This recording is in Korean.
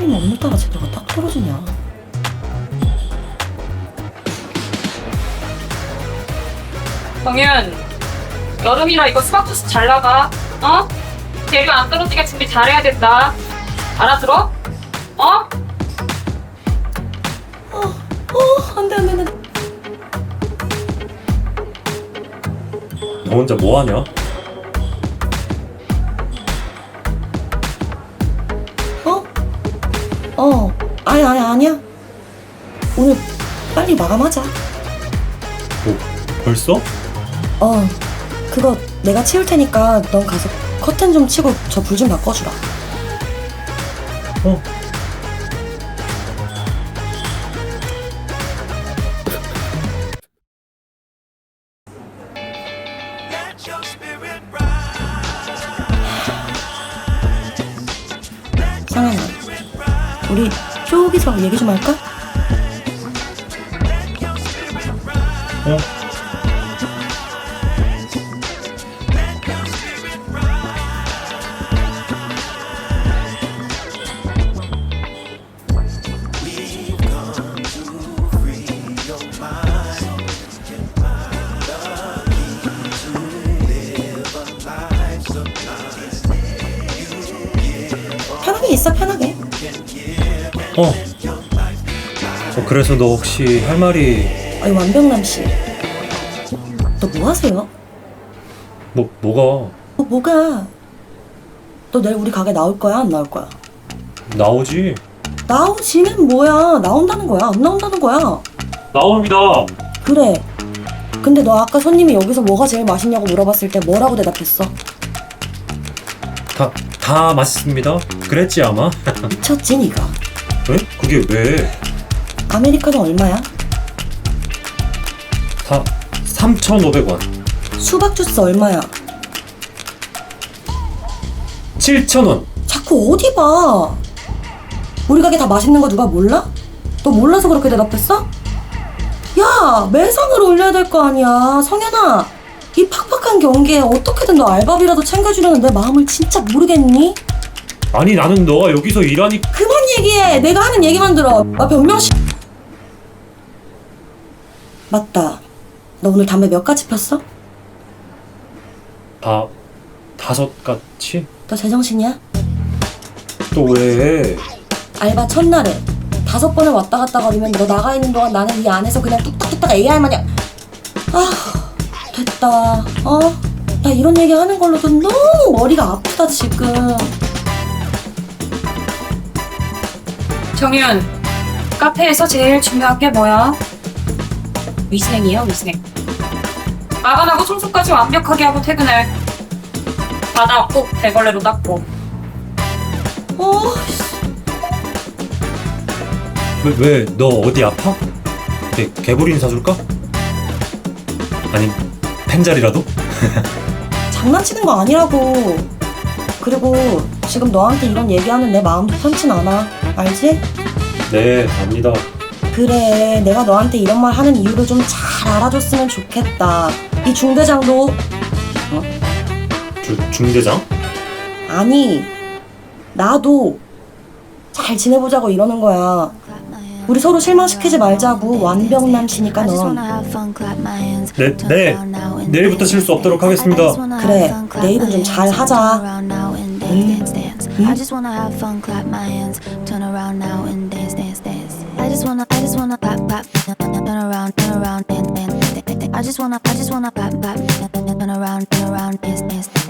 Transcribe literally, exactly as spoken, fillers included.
하필이면 오늘따라 제대로가 딱 떨어지냐. 정윤, 여름이라 이거 수박 주스 잘 나가. 어? 재료 안 떨어지게 준비 잘해야 된다. 알아들어? 어? 어, 어, 안 돼, 안 돼, 안 돼. 너 혼자 뭐 하냐? 어? 어, 아니, 아니, 아니야. 오늘 빨리 마감하자. 뭐 벌써? 어, 그거 내가 치울 테니까 넌 가서 커튼 좀 치고 저 불 좀 바꿔주라. 어. 상현아, 우리 저기서 얘기 좀 할까? 어? 편하게 있어, 편하게. 어. 어 그래서 너 혹시 할 말이 아니, 완병남 씨. 너 뭐 하세요? 뭐 뭐가 너 뭐가? 너 내일 우리 가게 나올 거야, 안 나올 거야? 나오지? 나오지는 뭐야? 나온다는 거야, 안 나온다는 거야? 나옵니다. 그래. 근데 너 아까 손님이 여기서 뭐가 제일 맛있냐고 물어봤을 때 뭐라고 대답했어? 다 다 맛있습니다. 그랬지 아마. 미쳤지, 니가? 왜? 그게 왜? 아메리카노 얼마야? 다 삼천오백 원. 수박 주스 얼마야? 칠천 원. 자꾸 어디 봐. 우리 가게 다 맛있는 거 누가 몰라? 너 몰라서 그렇게 대답했어? 야, 매상을 올려야 될 거 아니야. 성현아, 이 팍팍한 경기에 어떻게든 너 알바비라도 챙겨주려는 내 마음을 진짜 모르겠니? 아니 나는 너가 여기서 일하니. 그만 얘기해. 내가 하는 얘기만 들어. 아, 변명시. 맞다. 너 오늘 담배 몇 가지 폈어? 다 다섯 가치? 너 제정신이야? 또 왜? 알바 첫날에 다섯 번을 왔다 갔다 거리면 너 나가 있는 동안 나는 이 안에서 그냥 뚝딱뚝딱 에이아이 마냥. 아, 됐다. 어? 나 이런 얘기 하는 걸로도 너무 머리가 아프다 지금. 정윤, 카페에서 제일 중요한 게 뭐야? 위생이야, 위생. 마감하고 청소까지 완벽하게 하고 퇴근해. 바닥 꼭 대걸레로 닦고. 어, 왜 왜 너 어디 아파? 개, 개불인 사줄까? 아니 펜자리라도? 장난치는 거 아니라고. 그리고 지금 너한테 이런 얘기하는 내 마음도 편치 않아. 알지? 네 압니다. 그래, 내가 너한테 이런 말 하는 이유를 좀 잘 알아줬으면 좋겠다. 이 중대장도. 어? 주, 중대장? 아니, 나도 잘 지내보자고 이러는 거야. 우리 서로 실망시키지 말자고. 완벽남 씨니까 넌. 네, 네. 내일부터 실수 없도록 하겠습니다. 그래, 내일은 좀 잘 하자. I just wanna have fun, clap my hands, turn around now and dance, dance, dance. I just wanna, I just wanna pop, pop, turn around, turn around, dance, dance, dance. I just wanna, I just wanna pop, pop, turn around, turn around, dance, dance.